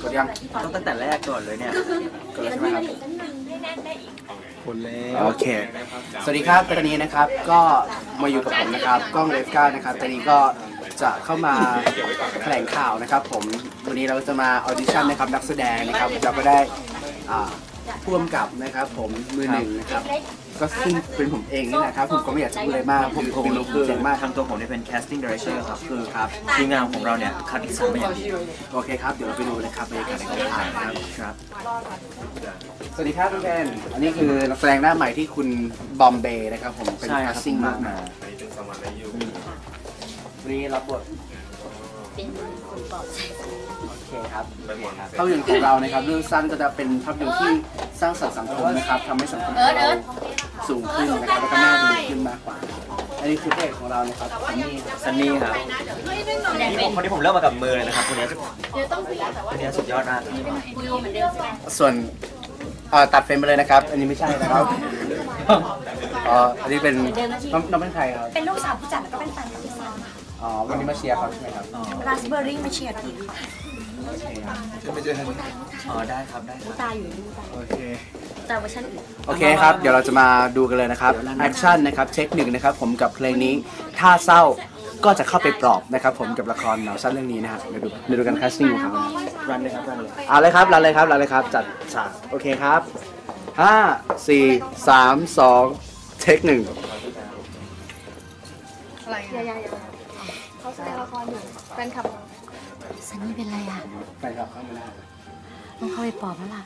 ดยังต้องตั้งแต่แรกก่อนเลยเนี่ยกดแล้วใช่ไหมครับคนแล้วโอเคสวัสดีครับตอนนี้นะครับก็มาอยู่กับผมนะครับกล้องเลฟก้านะครับตอนนี้ก็จะเข้ามาแถลงข่าวนะครับผมวันนี้เราจะมาออดิชั่นนะครับนักแสดงนะครับเราก็ได้ผู้กำกับนะครับผมมือหนึ่งนะครับก็ซึ่งเป็นผมเองนี่แหละครับผมก็ไม่อยากจะพูดอะไรมากผมรู้คือเจ๋งมากทางตัวผมเนี่ยเป็น casting director ครับคือครับทีมงานของเราเนี่ยคัดสรรมาอย่างดีโอเคครับเดี๋ยวเราไปดูนะครับบรรยากาศในการถ่ายนะครับสวัสดีครับคุณแทนอันนี้คือนักแสดงหน้าใหม่ที่คุณบอมเบย์นะครับผมเป็น casting มากมาวันนี้รับบทเป็นคนปลอบใจโอเคครับภาพยนตร์ของเรานะครับเรื่องสั้นก็จะเป็นภาพยนตร์ที่สร้างสรรค์สังคมนะครับทำให้สังคมเราสูงขึ้นนะครับแล้วก็น่าดูขึ้นมากกว่าอันนี้คือพระเอกของเรานะครับซันนี่ครับคนที่ผมเลือกมากับมือเลยนะครับคนนี้สุดยอดมากส่วนตัดเฟรมไปเลยนะครับอันนี้ไม่ใช่นะครับอันนี้เป็นน้องเป็นใครครับเป็นลูกสาวผู้จัดแล้วก็เป็นแฟนกับพี่ซันวันนี้มาเชียร์เขาใช่ไหมครับราสเบอร์รี่มาเชียร์ทีค่ะไม่เจอกันได้ครับได้ตาอยู่นี่ตาโอเคแต่เวอร์ชันอื่นโอเคครับเดี๋ยวเราจะมาดูกันเลยนะครับแอคชั่นนะครับเทคนิคนะครับผมกับเพลงนี้ถ้าเศร้าก็จะเข้าไปปลอบนะครับผมกับละครหนังสั้นเรื่องนี้นะฮะมาดูกันแคสติ้งของเขารันเลยครับรันเลยเอาเลยครับรันเลยครับจัดฉากโอเคครับ5 4 3 2เทค1 อะไรเขาแสดงละครอยู่แฟนคลับซันนี่เป็นไรอ่ะแฟนคลับเข้ามาได้ต้องเข้าไปปลอบแล้วล่ะ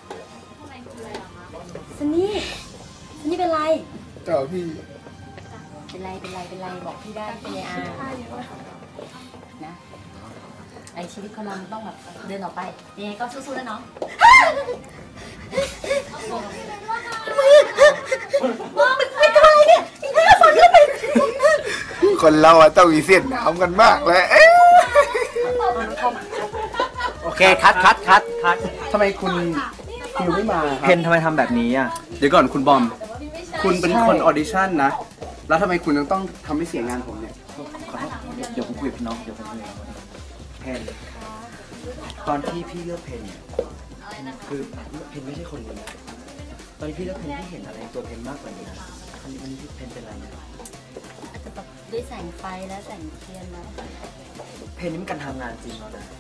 ซันนี่เป็นไรเจ้าพี่เป็นไรบอกพี่ได้เป็นอานะไอชีวิตคนเราต้องแบบเดินออกไปยังไงก็สู้ๆนะน้องมันเป็นอะไรเนี่ยฝนขึ้นไปคนเราต้องมีเส้นหนาวกันมากเลยโอเคคัดทำไมคุณคิวไม่มาเพนทำไมทำแบบนี้อ่ะเดี๋ยวก่อนคุณบอมคุณเป็นคนออดิชั่นนะแล้วทำไมคุณต้องทำให้เสียงานผมเนี่ยขอโทษเดี๋ยวผมคุยกับน้องเดี๋ยวผมคุยกับเพนตอนที่พี่เลือกเพนเนี่ยคือเพนไม่ใช่คนนี้ตอนที่พี่เลือกเพนพี่เห็นอะไรตัวเพนมากกว่านี้นะวันนี้เพนเป็นอะไรเนี่ยอาจจะแบบด้วยแสงไฟและแสงเทียนนะเพนนี่มันการทำงานจริงแล้วนะ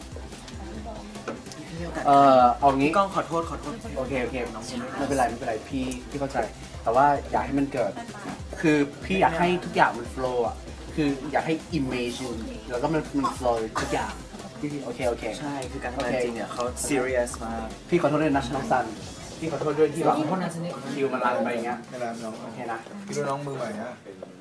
เอางี้กล้องขอโทษโอเคน้องไม่เป็นไรพี่เข้าใจแต่ว่าอยากให้มันเกิดคือพี่อยากให้ทุกอย่างมันโฟล์อ่ะคืออยากให้ image แล้วก็มันโฟล์ทุกอย่างพี่โอเคใช่คือการทำงานจริงเนี่ยเขา serious มากพี่ขอโทษด้วยนะน้องซันพี่ขอโทษด้วยที่แบบคิวมันรันไปอย่างเงี้ยไม่รันน้องโอเคนะพี่น้องมือใหม่ฮะ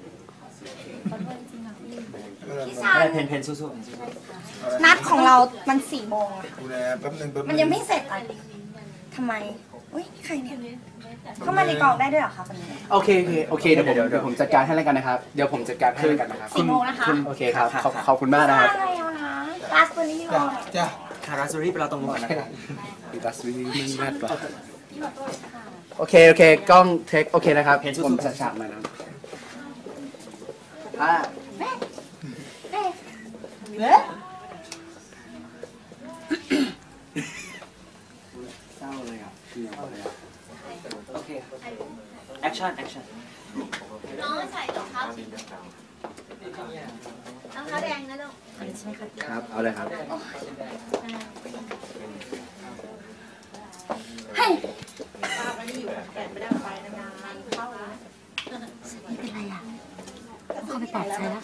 เพนสู้นัดของเรามัน4 โมงอะแป๊บนึงมันยังไม่เสร็จอ่ะทำไมอุ้ยใครเนี่ยเข้ามาในกองได้ด้วยเหรอคะวันนี้โอเคเดี๋ยวผมจัดการให้แล้วกันนะครับเดี๋ยวผมจัดการให้แล้วกันนะครับ 4 โมงนะคะโอเคครับขอบคุณมากนะครับอะไรนะราสเบอร์รี่จ้ะราสเบอร์รี่ไปเราตรงนู้นนะครับราสเบอร์รี่มันแรดกว่าโอเคกล้องเทคโอเคนะครับผมจัดฉากมานะเศร้าเลยอ่ะโอเคแอคชั่นน้องใส่รองเท้าแดงนะลูกใช่ไหมครับเอาเลยครับเฮ้ยไม่เป็นไรอ่ะเข้าไปปลอบใจแล้ว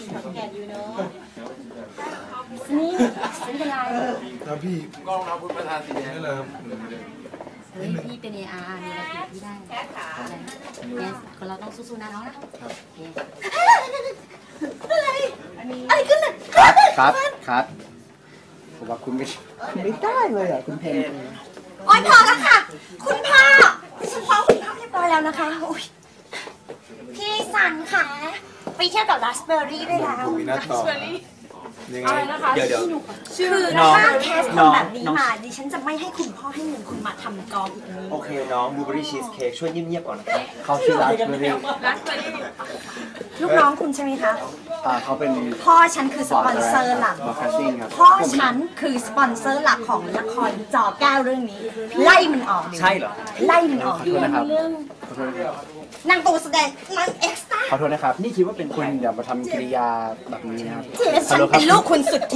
นี่เป็นไรแล้วพี่กล้องรับพุทธประธานสีแดงได้เลยครับเฮ้ยพี่เป็น AR มีอะไรผิดพี่ได้เนี่ยคนเราต้องสู้ๆนะน้องนะอะไรขึ้นเลยครับผมว่าคุณไม่ได้เลยอ่ะคุณเพนโอ๊ยพอแล้วค่ะคุณพ่อฉันฟ้องคุณพ่อเรียบร้อยแล้วนะคะพี่ซันค่ะไปเที่ยวกับราสเบอร์รี่ได้แล้วราสเบอร์รี่ยังไงเดี๋ยวคือน้องถ้าแคสคน้นองแบบนี้น้องมาดิฉันจะไม่ให้คุณพ่อให้เงินคุณมาทำกองอีกนี้โอเคน้องบลูเบอรี่ชีสเค้กช่วยเงียบๆก่อนนะครับเขาชื่อราสเบอร์รี่ลูกน้องคุณใช่ไหมคะเขาเป็นพ่อฉันคือสปอนเซอร์หลักบอร์แคสติ้งครับพ่อฉันคือสปอนเซอร์หลักของละครจอแก้วเรื่องนี้ ไล่มันออกใช่เหรอไล่มันออกขอโทษนะครับขอโทษนะครับนางตัวแสดงนางเอ็กซ์ตร้าขอโทษนะครับนี่คิดว่าเป็นคุณอย่ามาทำกิริยาแบบนี้นะครับฉันเป็นลูกคุณสุดที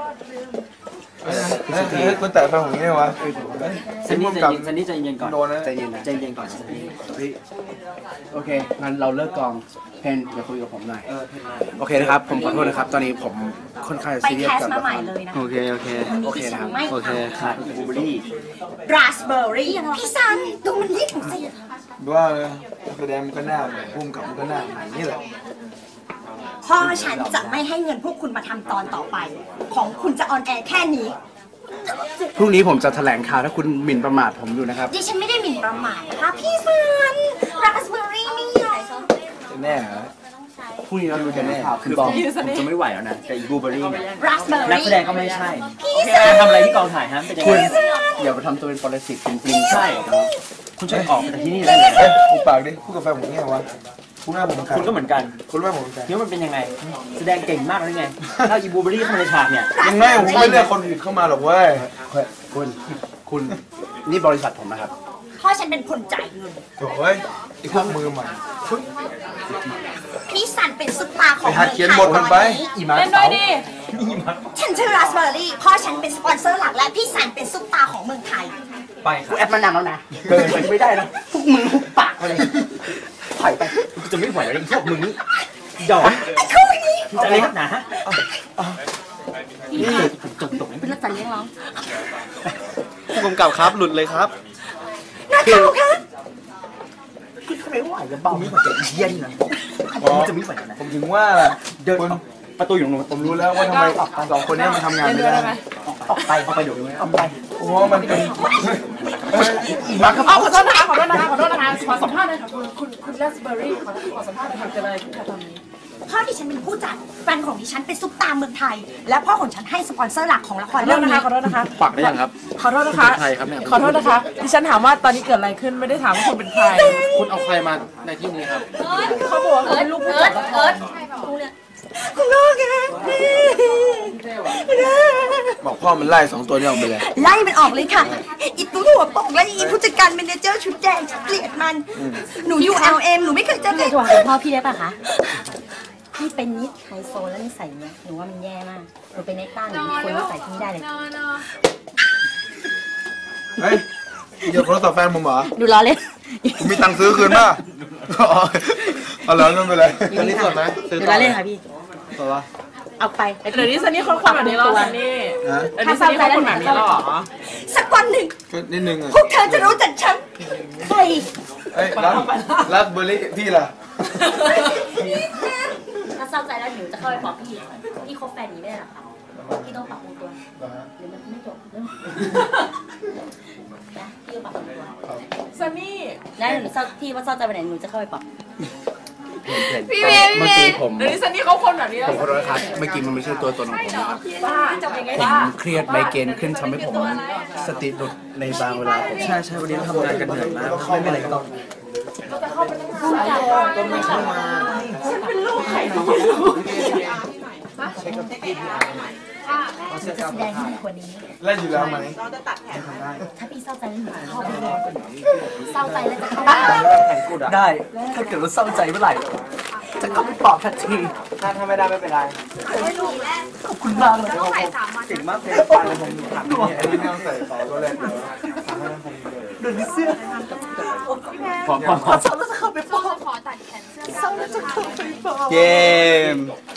คุณแต่ฟังผมนี่วะซันนี่ใจเย็นก่อนโดนนะใจเย็นนะใจเย็นก่อนซันนี่เฮ้ยโอเคงั้นเราเลิกกองเพนอย่าคุยกับผมหน่อยเพนมาโอเคนะครับ ผมขอโทษนะครับ ตอนนี้ผมค่อนข้างไปซีเรียแคสสกับมาละใหคม่รเลยนะโอเคโอเคโอเคนะครับไม่โอเคขาดบลูเบอรี่ราสเบอร์รี่พี่ซันดูมันยิ่งสิว่าเลยแสดงมันก็หน้าเหมือนพุ่มกับมันก็หน้าเหมือนนี่แหละพ่อฉันจะไม่ให้เงินพวกคุณมาทำตอนต่อไป ของคุณจะออนแอร์แค่นี้พรุ่งนี้ผมจะแถลงข่าวถ้าคุณหมิ่นประมาทผมอยู่นะครับดิฉันไม่ได้หมิ่นประมาทนะคะพี่ซันราสเบอร์รี่ไม่ยอมแน่เหรอพรุ่งนี้เราดูกันข่าวคืคือ อบบ ออก กผมจะไม่ไหวแล้วนะแต่อีบลูเบอรี่เนี่ยราสเบอร์นักรี่แสดงก็ไม่ใช่การทำอะไรที่กองถ่ายฮะเป็นยังคุณไงอย่าไปทำตัวเป็นปรสิตจริงๆใช่คุณช่วยออกไปจากที่นี่ได้ไหมเอ้ยพูดปากดิพูดกับแฟนผมเนี่ยวะพูดหน้าผมคุณก็เหมือนกันคุณรู้ไหมผมเป็นใครคิดว่ามันเป็นยังไง แสดงเก่งมากเลยไงถ้าอีบลูเบอรี่เข้ามาในฉากเนี่ยยังไงผมไม่เลือกคนผิดเข้ามาหรอกเว้ยคุณนี่บริษัทผมนะครับพ่อฉันเป็นคนจ่ายเงินโถ่ยไอ้พวกมือใหม่พี่ซันเป็นซุปตาของไปหัดเขียนบทมันไปอีมาร์คเต๋าฉันชื่อราสเบอร์รี่พ่อฉันเป็นสปอนเซอร์หลักและพี่ซันเป็นซุปตาของเมืองไทยไปคกูรับแอปมานานแล้วนะเกินไปไม่ได้นะพวกมึงทุกปากเลยถอยไปกูจะไม่ไหวแล้วไอ้พวกมึงนี่ดอกไอ้คู่นี้มึงจะอะไรนักหนาฮะพี่ค่ะเป็นรักษาเลี้ยงน้องผู้กำกับครับหลุดเลยครับนักข่าวคะไม่ไหวจะเบาไม่ไหวจะเย็นนะมึงจะไม่ไหวแล้วนะผมถึงว่าเดินคนประตูอยู่ตรงนู้นผมรู้แล้วว่าทำไมสองคนนี้มันทำงานไม่ได้ออกไปเดี๋ยวนี้ออกไปเพราะว่ามันเป็นอีมาร์คครับขอโทษนะคะขอโทษนะคะขอโทษนะคะขอสัมภาษณ์หน่อยค่ะคุณราสเบอร์รี่ขอสัมภาษณ์หน่อยค่ะเกิดอะไรขึ้นคะตอนนี้พ่อดิฉันเป็นผู้จัดแฟนของดิฉันเป็นซุปตาเมืองไทย และพ่อของฉันให้สปอนเซอร์หลักของละคขอร โทเรื่อษ งนะนะคะคะขอโทษนะคะปักได้ยังครับขอโทษนะคะใครครับเนี่ยขอโทษนะคะดิฉันถามว่าตอนนี้เกิดอะไรขึ้นไม่ได้ถามว่าคุณเป็นใครคุณเอาใครมาในที่นี้ครับเขาบอกว่าเขาเป็นลูกผู้จัดละครคุณพ่อคะบอกพ่อมันไล่สองตัวนี้ออกไปเลยไล่มันออกเลยค่ะอีตู้หัวโป่งและอีผู้จัดการเมเนเจอร์ชุดแดงฉันเกลียดมันหนูอยู่ LM หนูไม่เคยเจอพี่ใครโทรหาคุณพ่อพี่ได้ปะคะพี่เป็นนิดไฮโซแล้วนิสัยเนี้ยหนูว่ามันแย่มากหนูเป็นเน็กต้าหนูมีคนนิสัยที่ไม่ได้เลยเฮ้ยเดี๋ยวโทรศัพท์แฟนผมเหรอดูล้อเล่นผมมีตังค์ซื้อคืนป่ะเอาแล้วนั่นไปเลยตอนนี้สดไหมซื้อดูต่ล้ออเล่นค่ะพี่ตัววะเอาไปเดี๋ยวนี้ซันนี่คนแบบนี้หรอซันนี่ฮะเดี๋ยวนี้ซันนี่คนแบบนี้หรอสักวันหนึ่งก็นิดนึงอ่ะพวกเธอจะรู้จักฉันใครเอ้ยรักเบอร์รี่พี่ล่ะถ้าเศร้าใจแล้วหนูจะเข้าไปบอกพี่พี่คบแฟนนี้ไม่ได้หรอคะพี่ต้องปรับปรุงตัวหรือมันไม่จบเรื่องนะพี่ต้องปรับปรุงตัวซันนี่แล้วหนูเศร้าพี่ว่าเศร้าใจไปไหนหนูจะเข้าไปปรับเมื่อกี้ผมเดี๋ยวนี้ซันนี่เขาคนแบบนี้แล้วขอโทษนะครับเมื่อกี้มันไม่ใช่ตัวตนของผมนะครับบ้าจะเป็นไงผมบ้าเครียดไมเกรนขึ้นทำให้ผมสติหลุดในบางเวลาผมใช่วันนี้เราทำงานกันเหนื่อยมากไม่เป็นไรก็ต้องจะแสดงให้มันกว่านี้เล่นอยู่แล้วไหมถ้าพี่เศร้าใจแล้วหนูจะเข้าไปเลยเศร้าใจแล้วจะเข้าไปได้ถ้าเกิดว่าเศร้าใจเมื่อไหร่จะเข้าไปปลอบทันทีถ้าไม่ได้ไม่เป็นไรขอบคุณมากเลยเก่งมากเลยฟังเลยผมถามเนี่ยอันนี้ไม่ต้องใส่ต่อตัวเลยเดินเสื้อพร้อมเศร้าแล้วจะเข้าไปปลอบเกม